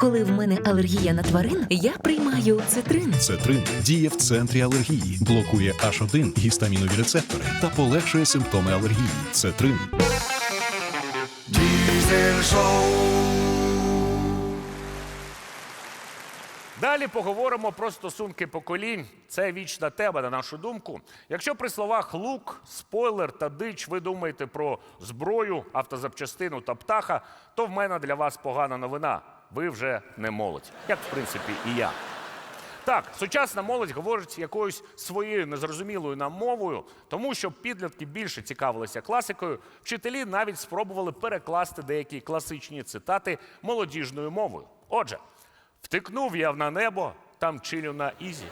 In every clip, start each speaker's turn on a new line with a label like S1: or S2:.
S1: Коли в мене алергія на тварин, я приймаю цитрин.
S2: Цетрин діє в центрі алергії, блокує H1 гістамінові рецептори та полегшує симптоми алергії. Цетрин.
S3: Diesel Show.
S4: Далі поговоримо про стосунки поколінь. Це вічна тема, на нашу думку. Якщо при словах лук, спойлер та дич ви думаєте про зброю, автозапчастину та птаха, то в мене для вас погана новина. Ви вже не молодь. Як, в принципі, і я. Так, сучасна молодь говорить якоюсь своєю незрозумілою нам мовою, тому що підлітки більше цікавилися класикою, вчителі навіть спробували перекласти деякі класичні цитати молодіжною мовою. Отже, втикнув я на небо, там чилю на ізі.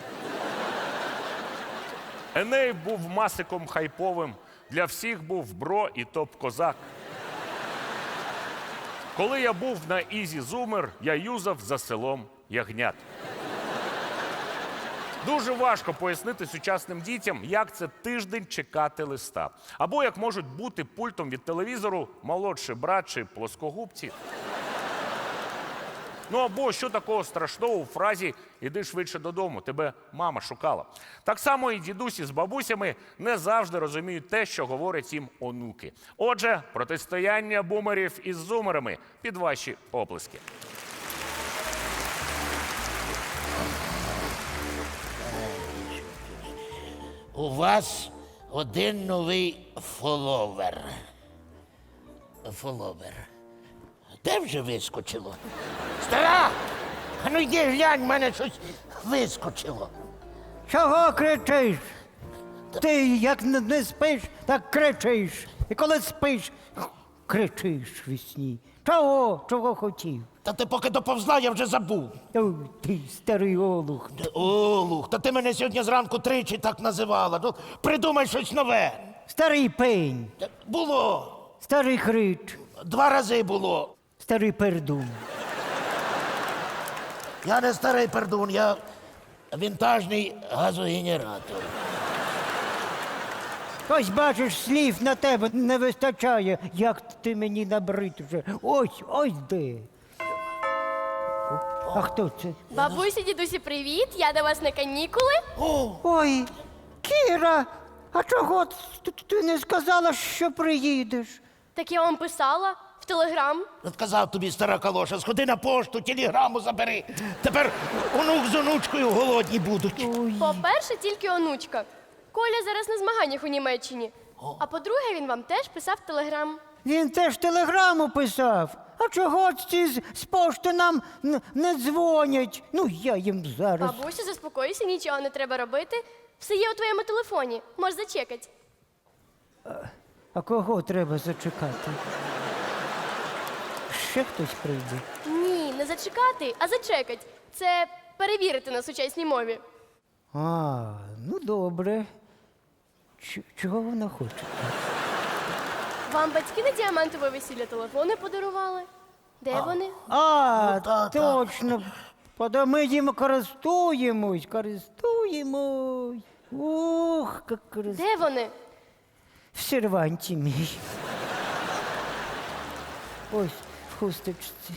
S4: Еней був масиком хайповим, для всіх був бро і топ-козак. Коли я був на ізі зумер, я юзав за селом ягнят. Дуже важко пояснити сучасним дітям, як це тиждень чекати листа. Або як можуть бути пультом від телевізору молодший брат чи плоскогубці. Ну або що такого страшного у фразі «іди швидше додому, тебе мама шукала». Так само і дідусі з бабусями не завжди розуміють те, що говорять їм онуки. Отже, протистояння бумерів із зумерами під ваші оплески.
S5: У вас один новий фоловер. Фоловер. Де вже вискочило? Стара! А ну йди глянь, в мене щось вискочило.
S6: Чого кричиш? Ти як не спиш, так кричиш. І коли спиш, кричиш вісні. Чого хотів?
S5: Та ти поки доповзла, я вже забув.
S6: Ой, ти старий олух.
S5: Олух, та ти мене сьогодні зранку тричі так називала. Ну, придумай щось нове.
S6: Старий пень,
S5: Та було.
S6: старий крич,
S5: 2 рази було.
S6: старий пердун.
S5: Я не старий пердун, я вінтажний газогенератор.
S6: Ось бачиш, слів на тебе не вистачає, як ти мені набрид вже. Ось де. А хто це?
S7: Бабусі, дідусі, привіт! Я до вас на канікули.
S6: Ой, Кіра, а чого ти не сказала, що приїдеш?
S7: Так я вам писала в Телеграм.
S5: От казав тобі, стара калоша, сходи на пошту, телеграму забери. Тепер онук з онучкою голодні будуть.
S7: По-перше, тільки онучка. Коля зараз на змаганнях у Німеччині. А по-друге, він вам теж писав в Телеграм.
S6: Він теж телеграму писав. А чого ці з пошти нам не дзвонять? Ну, я їм зараз.
S7: Бабусю, заспокойся, нічого не треба робити. Все є у твоєму телефоні. Можеш зачекати.
S6: А кого треба зачекати? Ще хтось прийде.
S7: Ні, не зачекати, а зачекать. Це перевірити на сучасній мові.
S6: А, ну добре. Чого вона хоче?
S7: Вам батьки на діамантове весілля телефони подарували? Де вони?
S6: А,
S5: та.
S6: точно. Пода ми їм користуємось. Ух, як
S7: Де вони?
S6: в серванті мій. Ось, в хусточці.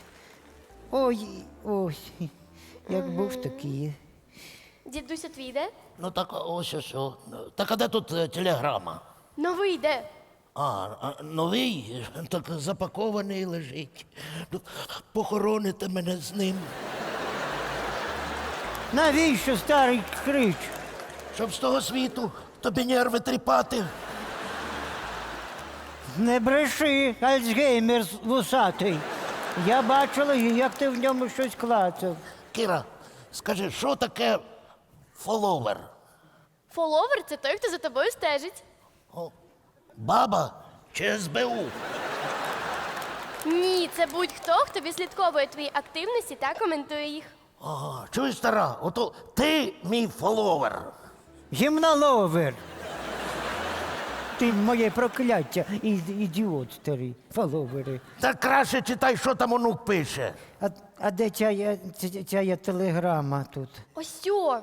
S6: Ось. Як був, так і є.
S7: Дідуся твій де?
S5: Ну так ось що. Так а де тут телеграма?
S7: Новий де?
S5: Новий, так запакований лежить. Ну, похороните мене з ним,
S6: Навіщо старий крич?
S5: щоб з того світу тобі нерви тріпати.
S6: Не бреши, Альцгеймер вусатий. Я бачила, як ти в ньому щось клацав.
S5: Кіра, скажи, що таке фоловер?
S7: Фоловер – це той, хто за тобою стежить.
S5: Баба чи СБУ?
S7: Ні, це будь-хто, хто відслідковує твої активності та коментує їх.
S5: Ага, чуєш, стара, ото ти мій фоловер.
S6: Гімноловер. Ти моє прокляття, ідіот старий, фоловери.
S5: Так краще читай, що там онук пише.
S6: А де ця телеграма тут?
S7: Ось сьо.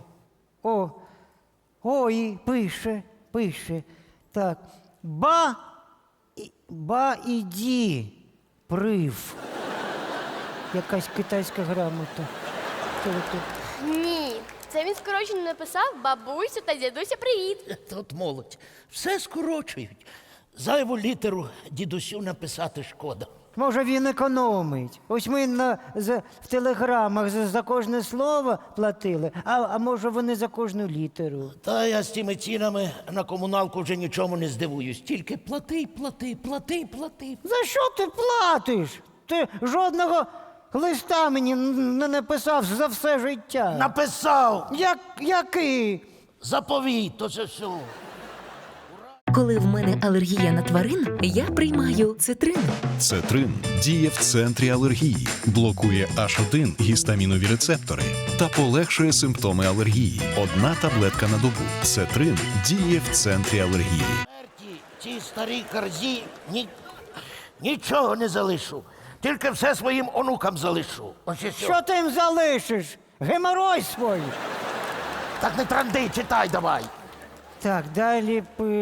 S6: Ой, пише. Так. Ба іді, прив. Якась китайська грамота. Що ви тут?
S7: Ні, це він скорочено написав бабусю та дідуся привіт.
S5: От молодь. Все скорочують. Зайву літеру дідусю написати шкода.
S6: Може, він економить. Ось ми в телеграмах за кожне слово платили, а може вони за кожну літеру.
S5: Та я з тими цінами на комуналку вже нічому не здивуюсь. Тільки плати, плати, плати, плати.
S6: За що ти платиш? Ти жодного листа мені не написав за все життя.
S5: Написав
S6: Який?
S5: заповіт, то це все.
S1: Коли в мене алергія на тварин, я приймаю цитрин.
S2: Цетрин діє в центрі алергії, блокує H1 гістамінові рецептори та полегшує симптоми алергії. Одна таблетка на добу. Цетрин діє в центрі алергії.
S5: Цій старій карзі нічого не залишу. Тільки все своїм онукам залишу. Ось і все.
S6: Що ти їм залишиш? Геморой свій.
S5: Так не транди, читай давай.
S6: Так, далі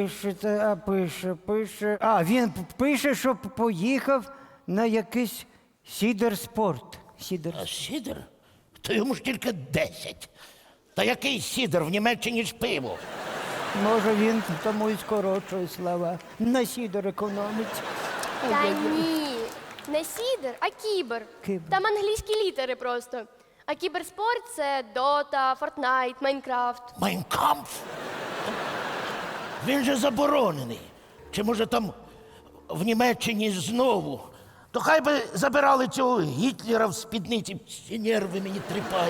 S6: пише. А, він пише, що поїхав на якийсь сідер-спорт.
S5: А сідер? То йому ж тільки 10. Та який сідер? В Німеччині ж пиво.
S6: Може, він тому і скорочує слова. На сідер економить.
S7: Та ні, не сідер, а кібер.
S6: Кібер.
S7: Там англійські літери просто. А кіберспорт це Дота, Фортнайт, Майнкрафт.
S5: Майнкамф? Він же заборонений. Чи може там в Німеччині знову? То хай би забирали цього Гітлера в спідниці. Всі нерви мені тріпає.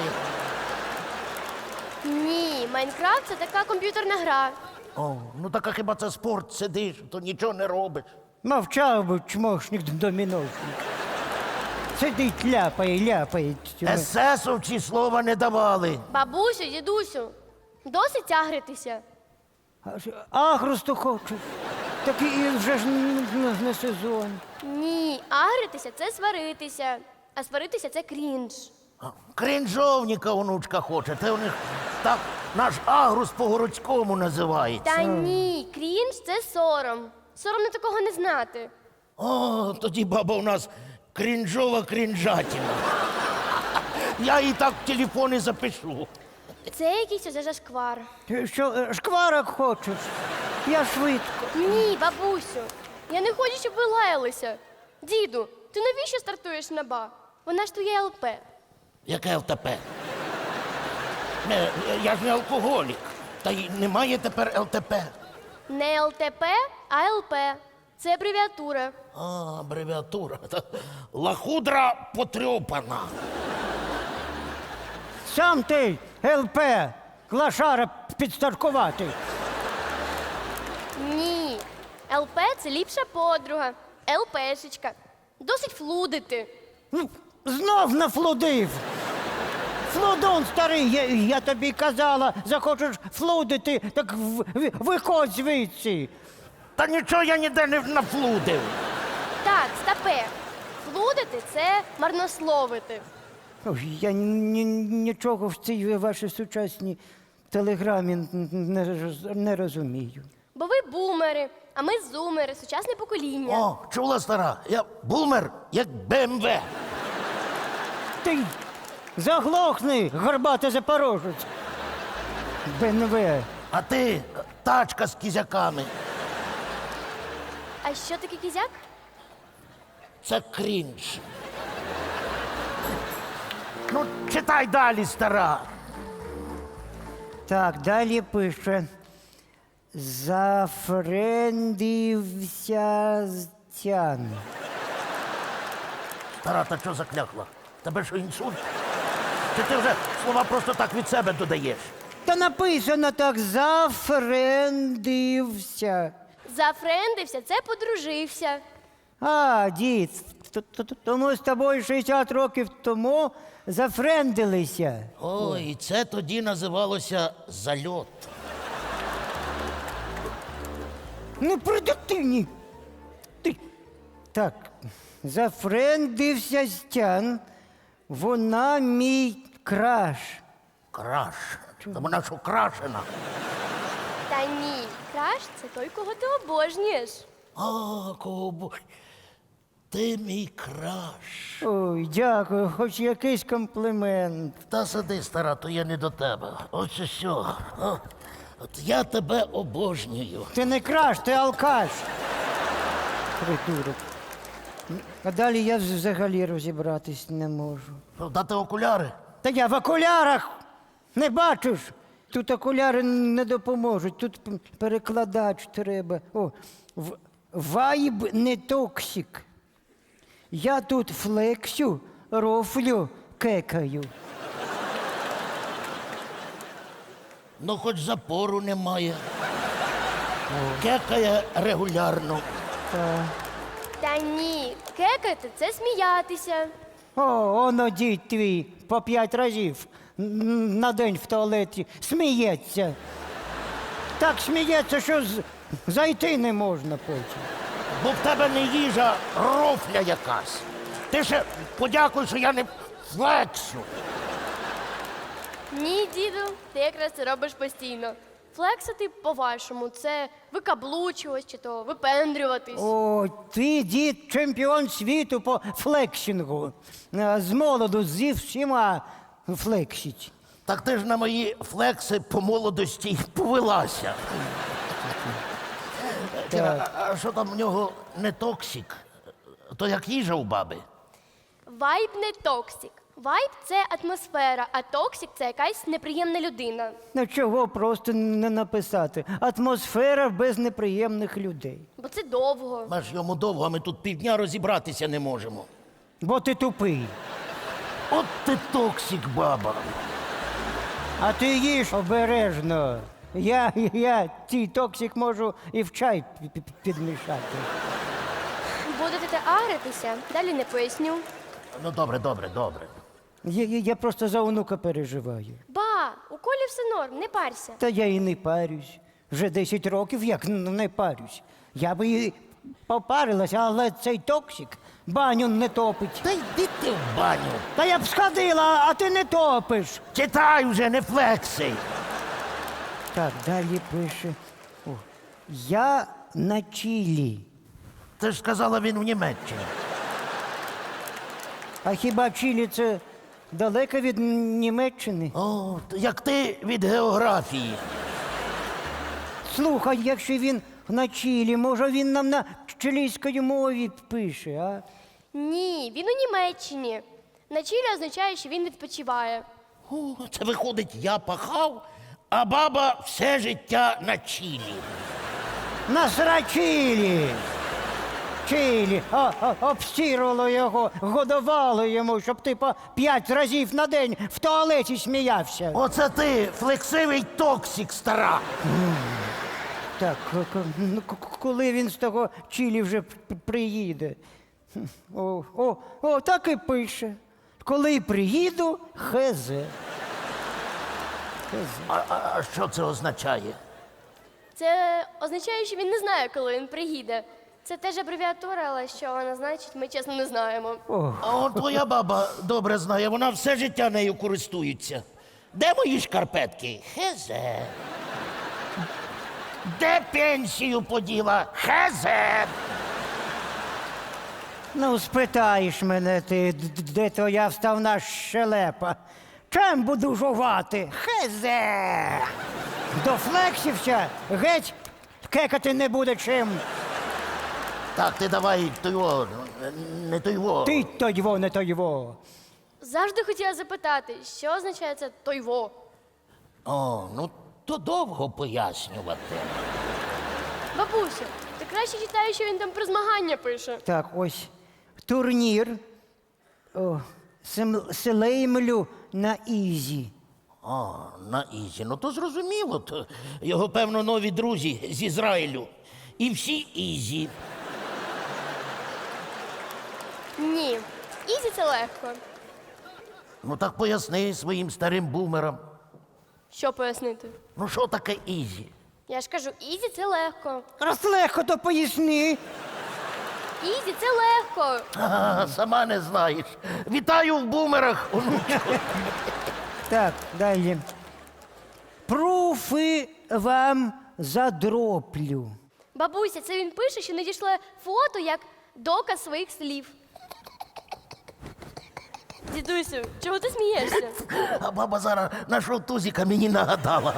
S7: Ні, Майнкрафт це така комп'ютерна гра.
S5: О, ну так а хіба це спорт, сидиш, то нічого не робиш.
S6: Мовчав би чмошник доміношник. Сидить, ляпає.
S5: Есесовці слова не давали.
S7: Бабусю, дідусю, досить тягритися.
S6: Агросту хочеш. Так і вже ж не сезон.
S7: Ні, агритися це сваритися, а сваритися це крінж.
S5: Крінжовніка онучка хоче. Це у них так наш агрус по-городському називається.
S7: Та ні, крінж це сором. Соромно такого не знати.
S5: О, тоді баба у нас крінжова крінжатіна. Я її так в телефоні запишу.
S7: Це якийсь уже зашквар.
S6: Ти що, шкварок хочеш? Я швидко.
S7: Ні, бабусю, я не хочу, щоб ви лаялися. Діду, ти навіщо стартуєш на ба? Вона ж твоя ЛП.
S5: Яке ЛТП? Я ж не алкоголік. Та й немає тепер ЛТП.
S7: Не ЛТП, а ЛП. Це абревіатура.
S5: А, абревіатура. Лахудра потрьопана.
S6: Сам ти, ЛП, клашара підстаркувати.
S7: Ні. ЛП це ліпша подруга. ЛПшечка. Досить флудити.
S6: Ну, знов нафлудив. Флудун старий, я тобі казала, захочеш флудити, так виходь звідси.
S5: Та нічого я ніде не нафлудив.
S7: Так, стапе. Флудити це марнословити.
S6: Ой, я нічого в цій вашій сучасній телеграмі не розумію.
S7: Бо ви бумери, а ми зумери, сучасне покоління.
S5: О, чула стара, я бумер, як БМВ.
S6: Ти заглохни, горбатий запорожець. БНВ.
S5: А ти тачка з кізяками.
S7: А що таке кізяк?
S5: Це крінж. Ну, читай далі, стара.
S6: Так, далі пише. Зафрендився з тян.
S5: Стара, та що заклякла? Тебе що, інсульт? Чи ти вже слова просто так від себе додаєш?
S6: Та написано так, зафрендився.
S7: Зафрендився, це подружився.
S6: А, дід, тому з тобою 60 років тому зафрендилися.
S5: Ой, і це тоді називалося зальот.
S6: Ну, при дитині. Ти. Так, зафрендився Стян. Вона мій краш.
S5: Краш. Та вона що крашена.
S7: Та ні, краш це той, кого ти обожнюєш.
S5: А, кого бо... Ти мій краш.
S6: Ой, дякую, хоч якийсь комплімент.
S5: Та сиди, стара, то я не до тебе. Ось що. От я тебе обожнюю.
S6: Ти не краш, ти алкаш. Придурок. А далі я взагалі розібратись не можу.
S5: Дати окуляри?
S6: Та я в окулярах! Не бачиш? Тут окуляри не допоможуть, тут перекладач треба. О, вайб не токсик. Я тут флексю, рофлю, кекаю.
S5: Ну, хоч запору немає. Кекає регулярно.
S7: Та ні, кекати це сміятися.
S6: О, оно дід твій по 5 разів на день в туалеті сміється. Так сміється, що зайти не можна потім.
S5: Бо в тебе не їжа, рофля якась. Ти ще подякуй, що я не флексу.
S7: Ні, діду, ти якраз це робиш постійно. Флексити, по-вашому, це викаблучуватись чи то випендрюватись.
S6: О, ти, дід, чемпіон світу по флексінгу. З молоду зі всіма флексить.
S5: Так ти ж на мої флекси по молодості й повелася. Кіра, а що там в нього не токсик? То як їжа у баби?
S7: Вайб не токсик. Вайб це атмосфера, а токсик це якась неприємна людина.
S6: Ну чого просто не написати? Атмосфера без неприємних людей.
S7: Бо це довго.
S5: Ми ж йому довго, а ми тут півдня розібратися не можемо.
S6: Бо ти тупий.
S5: От ти токсик, баба.
S6: А ти їж обережно. Я цей токсик можу і в чай підмішати.
S7: Будете агритися, далі не поясню.
S5: Ну, добре, добре, добре.
S6: Я просто за онука переживаю.
S7: Ба, у Колі все норм, не парся.
S6: Та я і не парюсь. Вже 10 років як не парюсь. Я би і попарилась, але цей токсик баню не топить.
S5: Та йди ти в баню.
S6: Та я б сходила, а ти не топиш.
S5: Читай вже, не флекси.
S6: Так, далі пише. О, я на Чилі.
S5: Ти ж сказала, він в Німеччині.
S6: А хіба Чилі це далеко від Німеччини?
S5: О, як ти від географії.
S6: Слухай, якщо він на Чилі, може він нам на чилійській мові пише, а?
S7: Ні, він у Німеччині. На Чилі означає, що він відпочиває.
S5: О, це виходить, я пахав, а баба все життя на Чилі.
S6: На Чилі! Чилі, обстірувало його, годувало йому, щоб ти по 5 разів на день в туалеті сміявся.
S5: Оце ти, флексивий токсик, стара.
S6: Так, коли він з того Чилі вже приїде? О, так і пише. Коли приїду, хз.
S5: А що це означає?
S7: Це означає, що він не знає, коли він приїде. Це теж абревіатура, але що вона значить, ми чесно не знаємо.
S5: А он твоя баба добре знає, вона все життя нею користується. Де мої шкарпетки? Хезе. Де пенсію поділа? Хезе.
S6: Ну, спитаєш мене ти, де твоя вставна щелепа? Чим буду жувати? Хезе! Дофлексився, геть кекати не буде чим.
S5: Так, ти давай тойво, не тойво.
S6: Ти тойво, не тойво.
S7: Завжди хотіла запитати, що означає це тойво.
S5: О, ну то довго пояснювати.
S7: Бабуся, ти краще читаєш, що він там про змагання пише.
S6: Так, ось турнір. О, Слеймлю на Ізі.
S5: А, на Ізі. Ну то зрозуміло. То його, певно, нові друзі з Ізраїлю. І всі Ізі.
S7: Ні, ізі це легко.
S5: Ну так поясни своїм старим бумерам.
S7: Що пояснити?
S5: Ну що таке Ізі?
S7: Я ж кажу, ізі це легко.
S6: Раз легко, то поясни.
S7: Ізі це легко.
S5: А, сама не знаєш. Вітаю в бумерах, онучко.
S6: Так, далі. Пруфи вам задроплю.
S7: Бабуся, це він пише, що надійшла фото, як доказ своїх слів. Дідусю, чого ти смієшся?
S5: А баба зараз нашого тузика мені нагадала.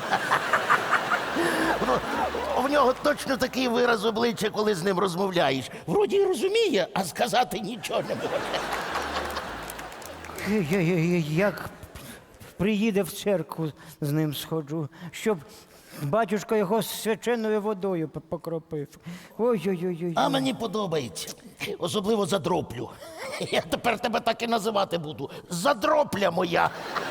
S5: В нього точно такий вираз обличчя, коли з ним розмовляєш. Вроді й розуміє, а сказати нічого не може.
S6: Як приїде в церкву, з ним сходжу, щоб батюшка його свяченою водою покропив. Ой-ой-ой.
S5: А мені подобається. Особливо задроплю. Я тепер тебе так і називати буду. Задропля моя.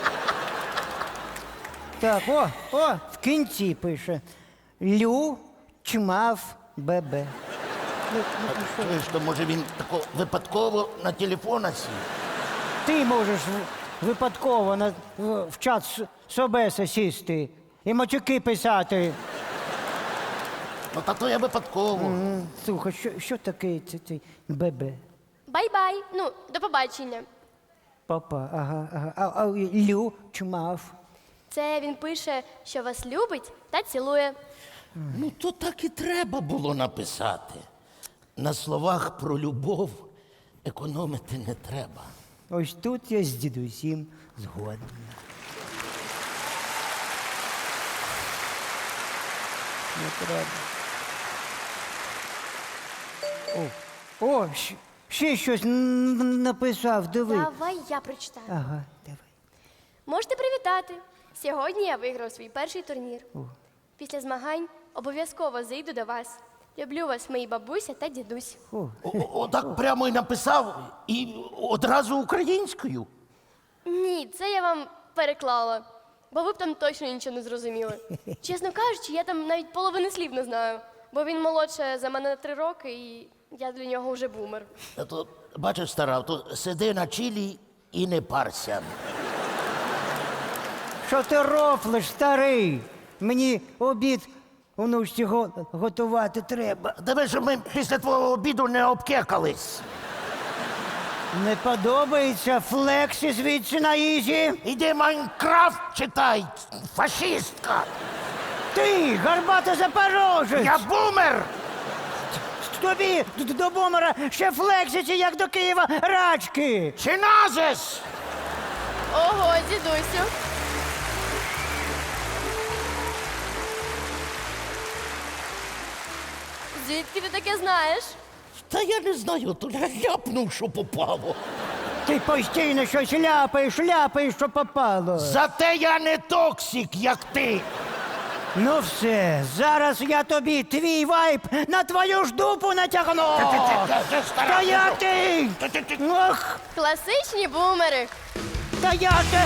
S6: Так, в кінці пише. Лю чмав бебе.
S5: Чуєш, то може він тако випадково на телефона сів?
S6: Ти можеш випадково в чат Собеса сісти і матюки писати.
S5: Ну, та то я випадково.
S6: Слухай, що таке цей бебе?
S7: Бай-бай. Ну, до побачення.
S6: Папа, ага. А Лю чмав.
S7: Це він пише, що вас любить та цілує.
S5: Ну, то так і треба було написати. На словах про любов економити не треба.
S6: Ось тут я з дідусім згодна. Не треба. Ще щось написав, диви.
S7: Давай я прочитаю.
S6: Ага, давай.
S7: Можете привітати. Сьогодні я виграв свій перший турнір. Після змагань обов'язково зайду до вас. Люблю вас, мої бабуся та дідусь.
S5: Отак прямо і написав, і одразу українською.
S7: Ні, це я вам переклала, бо ви б там точно нічого не зрозуміли. Чесно кажучи, я там навіть половини слів не знаю, бо він молодше за мене на 3 роки, і я для нього вже бумер.
S5: А то, бачиш, стара, то сиди на чилі і не парся.
S6: Що ти рофлиш, старий? Мені обід онучці готувати треба.
S5: Диви, щоб ми після твого обіду не обкекались.
S6: Не подобається флексі звідси на ізі?
S5: Іди Майнкрафт читай, фашистка.
S6: Ти, гарбата запорожець!
S5: Я бумер!
S6: Тобі до бомера ще флексиці, як до Києва, рачки!
S5: Чи назис?
S7: Ого, дідусю. Звідки ти таке знаєш?
S5: Та я не знаю, то я ляпнув, що попало.
S6: Ти постійно щось ляпаєш, що попало.
S5: Зате я не токсик, як ти.
S6: Ну все, зараз я тобі твій вайп на твою ж дупу натягну! Стояти! Ох,
S7: Класичні бумери.
S6: стояти!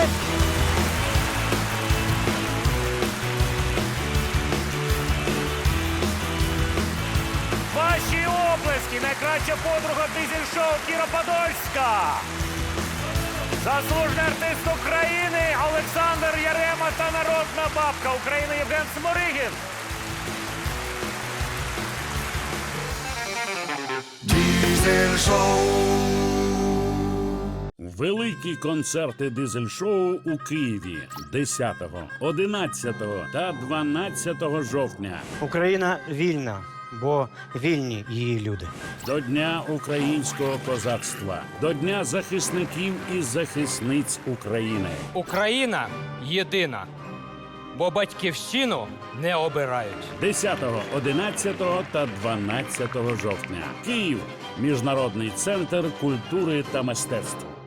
S4: Ваші оплески! Найкраща подруга дизель-шоу Кіра Подольська! Заслужений артист України Олександр Ярема та народна бабка України Євген Сморигін!
S3: Великі концерти дизель-шоу у Києві 10, 11 та 12 жовтня.
S8: Україна вільна, бо вільні її люди.
S3: До Дня українського козацтва, до Дня захисників і захисниць України.
S9: Україна єдина, бо батьківщину не обирають.
S3: 10, 11 та 12 жовтня. Київ. Міжнародний центр культури та мистецтв.